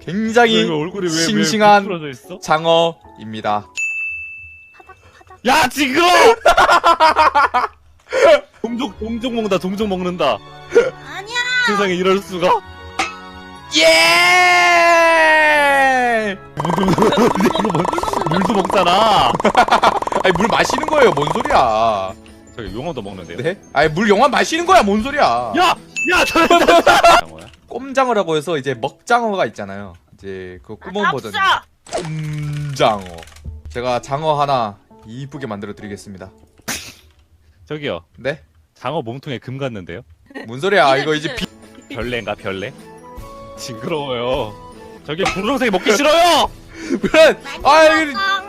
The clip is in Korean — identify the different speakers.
Speaker 1: 굉장히
Speaker 2: 이거 얼굴이 왜
Speaker 1: 싱싱한
Speaker 2: 부풀어져 있어?
Speaker 1: 장어입니다.
Speaker 2: 야 징그러! 동족 먹는다. 동족 먹는다.
Speaker 3: 아니야.
Speaker 2: 세상에 이럴 수가?
Speaker 1: 예!
Speaker 2: 물도 먹잖아.
Speaker 1: 아니 물 마시는 거예요. 뭔 소리야?
Speaker 2: 저기 용어도 먹는데요.
Speaker 1: 네? 아니 물 영화 마시는 거야. 뭔 소리야?
Speaker 2: 야 장어야?
Speaker 1: 꼼장어라고 해서 이제 먹장어가 있잖아요. 이제 그 꾸먼 버전. 꼼장어. 제가 장어 하나 이쁘게 만들어 드리겠습니다.
Speaker 2: 저기요.
Speaker 1: 네?
Speaker 2: 장어 몸통에 금 갔는데요?
Speaker 1: 뭔 소리야? 이거 이제 비...
Speaker 2: 별래인가 별래? 징그러워요. 저기 분홍색이 먹기 싫어요.
Speaker 1: 그래. 아,
Speaker 3: 많이
Speaker 1: 이거
Speaker 3: 먹어.